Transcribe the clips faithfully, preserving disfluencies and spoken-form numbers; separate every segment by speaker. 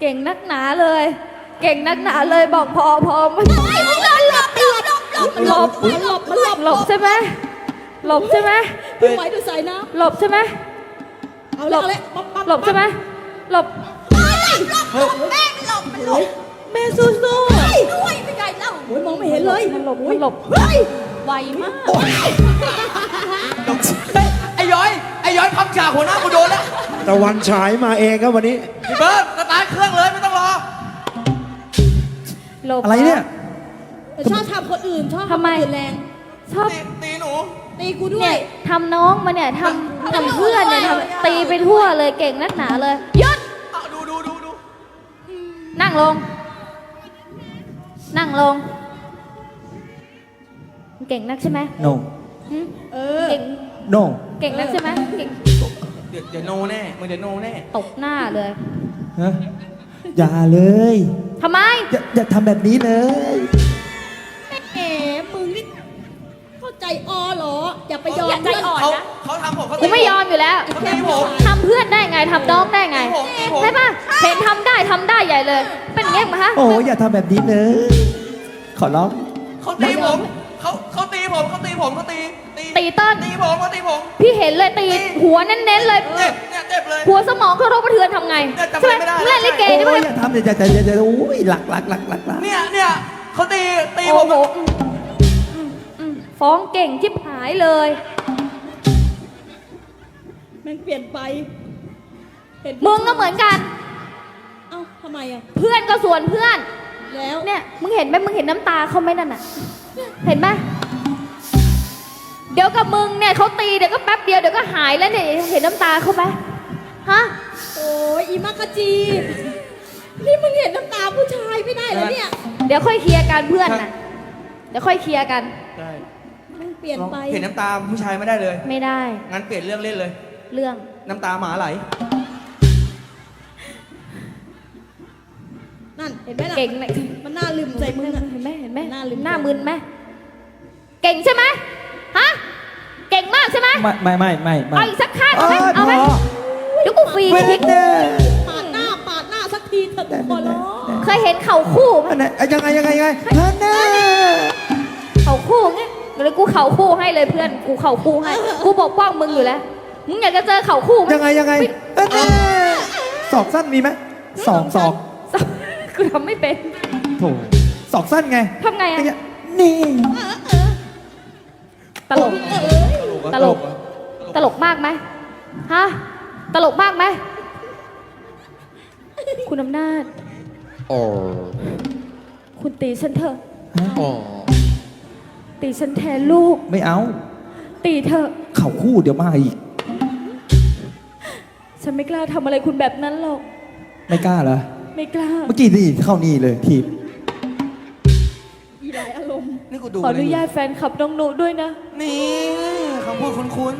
Speaker 1: ก่งนักหนาเลย เก่งนักหนาเลยบอกพอพอมันหลบหลบหลบหลบหลบหลบหลบใช่ไหมหลบใช่ไหม
Speaker 2: พี่ไหวดูใส่นะ
Speaker 1: หลบใช่ไหม
Speaker 2: เอาเลยเอาเลย
Speaker 1: หลบใช่ไหมหลบ
Speaker 3: หลบแม่หลบมันหลบ
Speaker 2: แม่สู้ๆ
Speaker 3: ด้วยไม่ไกลแล้ว
Speaker 2: โอ้ยมองไม่เห็นเลย
Speaker 1: มันหลบมันหลบไวมาก
Speaker 4: ไอ้ย้อยไอ้ย้อยพับฉากหัวหน้ากูโดนแล้ว
Speaker 5: ตะวันฉายมาเองครับวันนี้
Speaker 4: พี่เบิร์ดสตาร์ทเครื่องเลยไม่ต้องรอ
Speaker 1: หลบ
Speaker 5: อะไรเนี่ย
Speaker 2: ชอบทำคนอื่นชอบทำคนอื่นแรง
Speaker 1: ชอบ
Speaker 4: ตีหนู
Speaker 2: ตีกูด้ว
Speaker 1: ยทำน้องมาเนี่ยทำทำเพื่อนเนี่ยทำตีไปทั่วเลยเก่งนักหนาเลยหยุด
Speaker 4: ดูดูดูดู
Speaker 1: นั่งลงนั่งลงเก่งนักใช่ไหม
Speaker 5: no
Speaker 2: เออ
Speaker 1: เก่ง
Speaker 5: no
Speaker 1: เก่งนักใช่ไหมเก่ง
Speaker 4: เดี๋ยวเดี๋ยวโนแน่มึงเดี๋ยวโนแน่
Speaker 1: ตบหน้าเลย
Speaker 5: ฮะอย่าเลย
Speaker 1: ทำไม
Speaker 5: อย่าอย่าทำแบบนี้เลย
Speaker 2: แหมมึงนี่เข้าใจออเหรออย่าไปยอม
Speaker 1: ใจอ่อนนะ
Speaker 4: เขาทำผมเขา
Speaker 1: กูไม่ยอมอยู่แล้วทำเพื่อนได้ไงทำน้องได้ไงใช่ปะเห็นทำได้ทำได้ใหญ่เลยเป็นอย่างเงี้ยมั้ยฮะ
Speaker 5: โอ้อย่าทำแบบนี้เลยขอร้อง
Speaker 4: เขาตีผมเขาเขาตีผมเขาตีผมเขาตี
Speaker 1: ตีต้น
Speaker 4: ตีผมเขาตีผม
Speaker 1: พี่เห็นเลยตีหัวเน้นๆเลย
Speaker 4: เจ็บเนี่ยเจ็บเลย
Speaker 1: หัวสมองกระทบกระเทือนทำไงใช่ไหมเล่นลิเกนี่
Speaker 5: โอ้
Speaker 1: มัน
Speaker 5: อย่าทำอย่าอย่าอย่าอย่าโอ้ยหลักหลักหลักหลัก
Speaker 4: เนี่ยเนี่ยเขาตีตีผ
Speaker 1: โอ้
Speaker 4: ม
Speaker 1: โหฟ้องเก่งชิบหายเลย
Speaker 2: มันเปลี่ยนไป
Speaker 1: มึงก็เหมือนกัน
Speaker 2: เอ้าทำไมอ่ะ
Speaker 1: เพื่อนก็ส่วนเพื่อน
Speaker 2: แล้ว
Speaker 1: เนี่ยมึงเห็นไหมมึงเห็นน้ำตาเขาไหมนั่นน่ะเห็นไหมเดี๋ยวกับมึงเนี่ยเขาตีเดี๋ยวก็แป๊บเดียวเดี๋ยวก็หายแล้วเนี่ยเห็นน้ำตาเขาไหมฮะ
Speaker 2: โอ้ยอีมักกะจีนี่มึงเห็นน้ำตาผู้ชายไม่ได้เลยเนี่ย
Speaker 1: เดี๋ยวค่อยเคลียร์กันเพื่อนน่ะเดี๋ยวค่อยเคลียร์กัน
Speaker 4: ได้
Speaker 2: มันเปลี่ยนไป
Speaker 4: เห็นน้ำตาผู้ชายไม่ได้เลย
Speaker 1: ไม่ได้
Speaker 4: งั้นเปลี่ยนเรื่องเล่นเลย
Speaker 1: เรื่อง
Speaker 4: น้ำตาหมาไหล
Speaker 2: นั่นเห็นไหมล่ะ
Speaker 1: เก่ง
Speaker 2: มันน่าลืมใจมึง
Speaker 1: เห็นไหมเห็นไหม
Speaker 2: หน้าลืม
Speaker 1: หน้ามึนไหมเก่งใช่ไหมฮะเก่งมากใช่ไหม
Speaker 5: ไม่ไม่ไม่ไม่
Speaker 1: เอาอีกสักข้างเอาไหมเอาไหมเดี๋ยวกูฟรีคิก
Speaker 2: ปาดหน้าปาดหน้าสักทีเถอะขอร้อง
Speaker 1: เคยเห็นเข่าคู่ไหม
Speaker 5: ยังไงยังไงยังไงท่านน่ะ
Speaker 1: เข่าคู่ไงเดี๋ยวกูเข่าคู่ให้เลยเพื่อนกูเข่าคู่ให้กูปกป้องมึงอยู่แล้วมึงอยากจะเจอเข่าคู่ไหม
Speaker 5: ยังไงยังไงศอกสั้นมีไหมสองศอก
Speaker 1: กูทำไม่เป็น
Speaker 5: โถศอกสั้นไง
Speaker 1: ทำไงอะ
Speaker 5: นี่
Speaker 1: ตลกตลกตลกมากไหมฮะตลกมากไหมคุณอำนาจคุณตีฉันเถอะตีฉันแทนลูก
Speaker 5: ไม่เอา
Speaker 1: ตีเถอะ
Speaker 5: เข่าคู่เดี๋ยวมาอีก
Speaker 1: ฉันไม่กล้าทำอะไรคุณแบบนั้นหรอก
Speaker 5: ไม่กล้าเหรอ
Speaker 1: ไม่กล้า
Speaker 5: เมื่อกี้นี่เข้านี่เลยทีบ
Speaker 2: อีหลายอารมณ์
Speaker 4: นี่กูดู
Speaker 1: ขออนุญาตแฟนคลับน้องหนูด้วยนะ
Speaker 4: นี่คำพูดคุ้น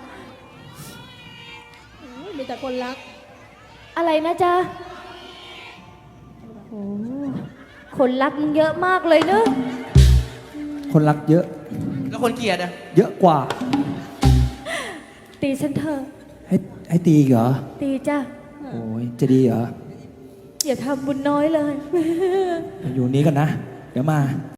Speaker 2: ๆมีแต่คนรัก
Speaker 1: อะไรนะจ๊ะโอ้คนรักมึงเยอะมากเลยเนอะ
Speaker 5: คนรักเยอะ
Speaker 4: แล้วคนเกลียดอะ
Speaker 5: เยอะกว่า
Speaker 1: ตีฉันเถอะ
Speaker 5: ให้ให้ตีเหรอ
Speaker 1: ตีจ้ะ
Speaker 5: โอ้ยจะดีเหรอ
Speaker 1: อย่าทำบุญน้อยเลย
Speaker 5: อยู่นี้กันนะเดี๋ยวมา